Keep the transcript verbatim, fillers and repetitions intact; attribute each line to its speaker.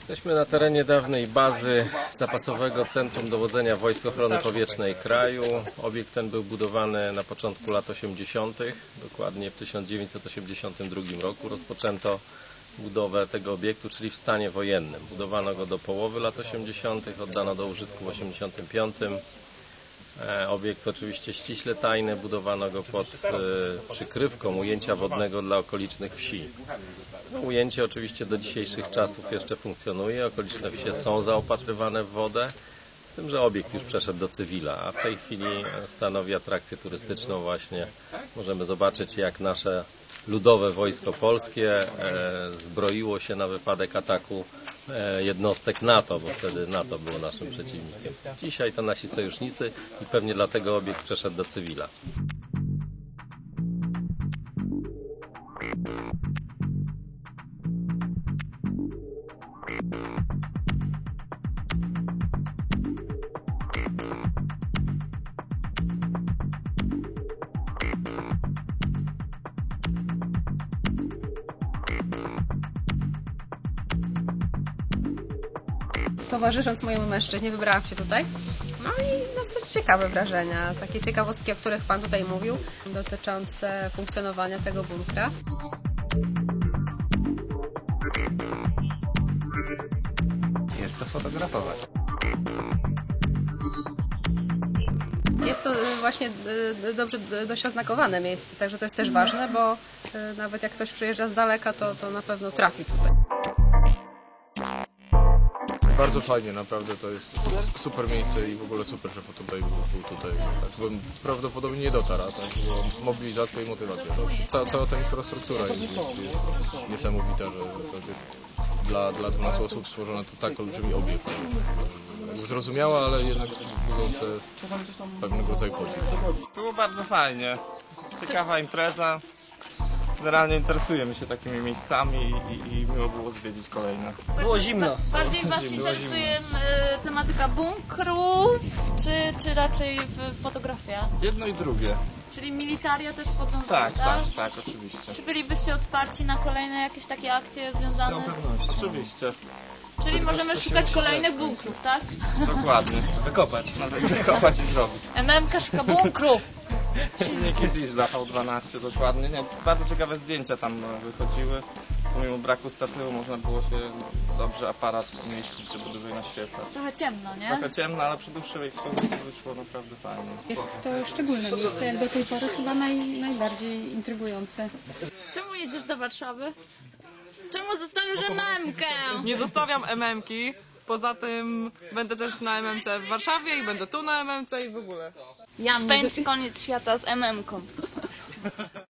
Speaker 1: Jesteśmy na terenie dawnej bazy Zapasowego Centrum Dowodzenia Wojsk Ochrony Powietrznej kraju. Obiekt ten był budowany na początku lat osiemdziesiątych. Dokładnie w tysiąc dziewięćset osiemdziesiątym drugim roku rozpoczęto budowę tego obiektu, czyli w stanie wojennym. Budowano go do połowy lat osiemdziesiątych, oddano do użytku w osiemdziesiątym piątym. Obiekt oczywiście ściśle tajny, budowano go pod e, przykrywką ujęcia wodnego dla okolicznych wsi. To ujęcie oczywiście do dzisiejszych czasów jeszcze funkcjonuje, okoliczne wsie są zaopatrywane w wodę, z tym, że obiekt już przeszedł do cywila, a w tej chwili stanowi atrakcję turystyczną właśnie. Możemy zobaczyć, jak nasze ludowe wojsko polskie e, zbroiło się na wypadek ataku e, jednostek NATO, bo wtedy NATO było naszym przeciwnikiem. Dzisiaj to nasi sojusznicy i pewnie dlatego obiekt przeszedł do cywila.
Speaker 2: Towarzysząc mojemu mężczyźnie, wybrałam się tutaj. No i dosyć ciekawe wrażenia, takie ciekawostki, o których Pan tutaj mówił, dotyczące funkcjonowania tego bunkra.
Speaker 3: Jest co fotografować.
Speaker 2: Jest to właśnie dobrze dość oznakowane miejsce, także to jest też ważne, bo nawet jak ktoś przyjeżdża z daleka, to, to na pewno trafi tutaj.
Speaker 4: Bardzo fajnie, naprawdę to jest super miejsce i w ogóle super, że tutaj był tutaj. Tak bym prawdopodobnie nie dotarł, a tak była mobilizacja i motywacja. Cała, cała ta infrastruktura jest, jest, jest niesamowita, że to jest dla, dla dwunastu osób stworzone to tak olbrzymi obiekt. Zrozumiałe, ale jednak budzące pewnego rodzaju podziw.
Speaker 5: Było bardzo fajnie, ciekawa impreza. Generalnie interesujemy się takimi miejscami i, i miło było zwiedzić kolejne.
Speaker 6: Było zimno.
Speaker 7: Bardziej Was interesuje tematyka bunkrów, czy, czy raczej fotografia?
Speaker 5: Jedno i drugie.
Speaker 7: Czyli militaria też wchodzą w to,
Speaker 5: Tak, tak, tak, oczywiście.
Speaker 7: Czy bylibyście otwarci na kolejne jakieś takie akcje związane z...
Speaker 5: Oczywiście.
Speaker 7: Czyli możemy szukać kolejnych bunkrów, tak?
Speaker 5: Dokładnie.
Speaker 3: Wykopać.
Speaker 5: Nawet wykopać i zrobić.
Speaker 7: M M K szuka bunkrów.
Speaker 5: Silniki diesla V dwanaście dokładnie. Nie, bardzo ciekawe zdjęcia tam wychodziły. Pomimo braku statywu można było się dobrze aparat umieścić, żeby dłużej naświetlać.
Speaker 7: Trochę ciemno, nie?
Speaker 5: Trochę ciemno, ale przy dłuższej ekspozycji wyszło naprawdę fajnie.
Speaker 8: Jest to szczególne miejsce, jak do tej pory chyba naj, najbardziej intrygujące.
Speaker 7: Czemu jedziesz do Warszawy? Czemu zostawisz M M K?
Speaker 9: Nie zostawiam M M ki, poza tym będę też na M M C w Warszawie i będę tu na M M C i w ogóle.
Speaker 7: Spędź koniec świata z M M ką.